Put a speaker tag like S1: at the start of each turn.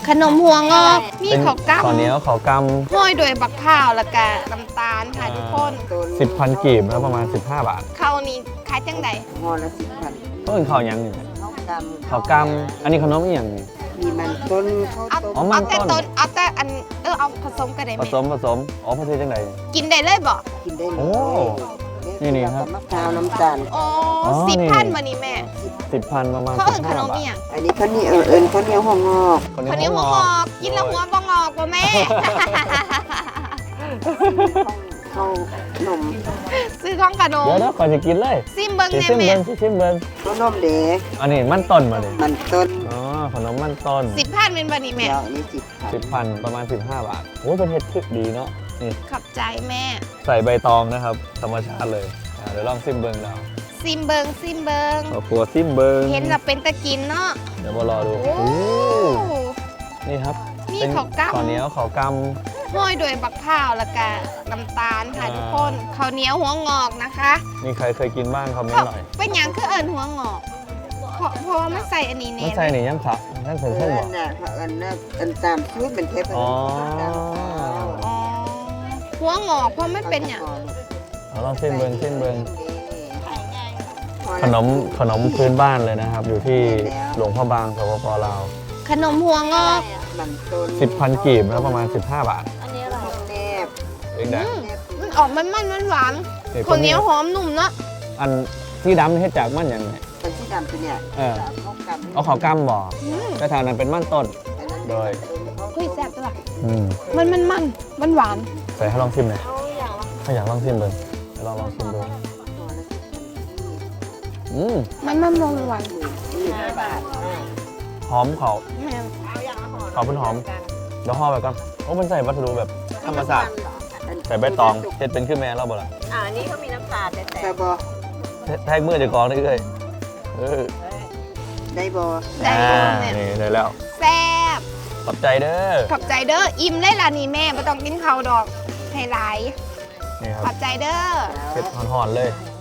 S1: ขนมหัวงอกมีข้าวกล้
S2: ข้าวเหนียวข้าวก
S1: ำห้อยด้วยบักพร้าวแล้วก็น้ำตาลค่ะทุกคน
S2: ำ10,000 กีบแล้วประมาณ15 บาท
S1: ข้าวนี้ขายจังใด
S3: ห่อละ10,000
S2: ต้นข้าวหยังนี่
S3: ข้าวกำ
S2: ข้าวกำอันนี้ขนมอีหยังนี่
S3: มีมันต้นข้าว
S1: เอา
S3: ต้ม
S2: อ๋อมั
S1: เอา
S2: น
S1: แต่
S2: ต้น
S1: ต้นเอาแต่อันเอาผสมกันได้
S2: ผ
S1: ไหม
S2: สมอ๋อประเทศจังได
S1: กินได้เลยบ่
S3: กินได้เล
S2: โอ้
S3: ย
S2: นี่ครับ
S3: มะพร้าวน้ำตาล
S1: อ๋อ
S2: อ๋อ
S1: 10,000
S2: นี่
S1: มานี่แม่
S2: 10,000ประมาณ
S1: เขาเอิ้นขนม
S2: 15 บา
S1: อี
S2: ท
S1: หยัง
S3: อันนี้ข้าวเหนียวข้าวเหนียวห่องอก
S1: ข้าวเหนียวหัวงอกกินแล้วหัวบ่งอกบ่แม่
S3: ข้าวหนม
S1: ซื้อของขนม
S2: เดี๋ยวก่อนจะกินเลย
S1: ซิมเบิ่ง
S2: สิ
S1: แน่
S2: ชิม
S1: แม่
S2: เบิ้งสิชิมเบิ้ง
S3: ข้าวนมเด็ก
S2: อันนี้มันต้นมาเลย
S3: มันต้น
S2: อ๋อขนมมันต้น
S1: 10,000เป็นบ่นี่แม่
S3: เดี๋ยวอันนี้10,000
S2: 10,000ประมาณ15 บาทโอ้เป็นเห็ดคึกดีเนาะนี่
S1: ขอบใจแม่
S2: ใส่ใบตองนะครับธรรมชาติเลยเดี๋ยวลองซิมเบิ้งแล้ว
S1: ซิมเบิงซิมเบิง
S2: ขอครัวซิมเบิ้ง
S1: เห็นแล้วเป็นตะกินเนาะ
S2: เดี๋ยวมารอดู
S1: โอ้
S2: โอ้นี่ครับ
S1: มี
S2: เป็น
S1: ข้าวกล้ำ
S2: ข้าวเหนียวข้าวก
S1: ห้อยด้วยบักพร้าวแล้วก็น้ำตาลค่ะ
S2: อ่า
S1: ทุกคนข้าวเหนียวหัวงอกนะคะ
S2: ำมีใครเคยกินบ้างคอมเมน
S1: เขา
S2: ต์หน่อย
S1: เป็นหยังคือเอิญหัวงอกเพราะว่ามันใส่อันนี้
S2: มัน
S1: เน่
S2: ใส่ในย่ำผักนั่นเพิ่ง
S3: เอ
S2: เพิ่ง
S3: อ
S2: บอก
S3: น่ะเขาอันตามชุดเป็นเทป
S2: อ๋อ
S1: อ๋อหัวงอกเพราะมันเป็นอย่าง
S2: เอาลองซิมเบิ้งซิมเบิ้งขนมพื้นบ้านเลยนะครับ อยู่ที่หลวงพ่อบางสปปลาว
S1: ขนมหัวงอก
S3: มันต้น
S2: 10,000 กีบแล้วประมาณ15 บาท
S3: แนบ
S2: เองนะ
S1: มันออกมันหวานข้าวเหนียวหอมนุ่มเนาะ
S2: อันที่ดำนี่เฮ็ดจากมันอย่างไง
S3: เป็นที่ดำตัวเนี่ย
S2: เออ
S3: ข้าวกำ
S2: เอาข้าวกล้ำบ่
S1: อืม
S2: แต่ทางนั้นเป็นมันต้น
S3: อันนั้น
S2: โดย
S1: เฮ้ยแซ่บตัวละ
S2: อืม
S1: มันหวาน
S2: ใส่ให้ลองชิมหน่อยถ้าอยากลองชิมเบิ้งให้ลองชิมดูอืม
S1: มันหวาน
S3: 15 บาท
S2: หอมเขา
S1: แม่น
S2: เขาเป็นหอมเดี๋ยวห่อไปก่อนโอ้มันใส่วัสดุแบบธรรมชาติใส่ใบตองเฮ็ดเป็นขึ้นแม่เราบ่ล่ะ
S4: อันนี้เขามีน้ำตาลแต่
S3: แต่บอ
S2: แทกมือจะกองได้เลยเออ
S3: ได้บอ
S1: ได้
S2: อ่า
S1: เนี่ย
S2: นี่ได้แล้ว
S1: แซ่บ
S2: ขอบใจเด้อ
S1: ขอบใจเด้ออิ่มเลยล่ะนี่แม่ไม่ต้องกินข้าวดอกให้หลาย
S2: นี่ค
S1: ข
S2: รั
S1: อ
S2: บบ
S1: ใจเด้อ
S2: เผ็ดหอนๆเลย
S3: ไ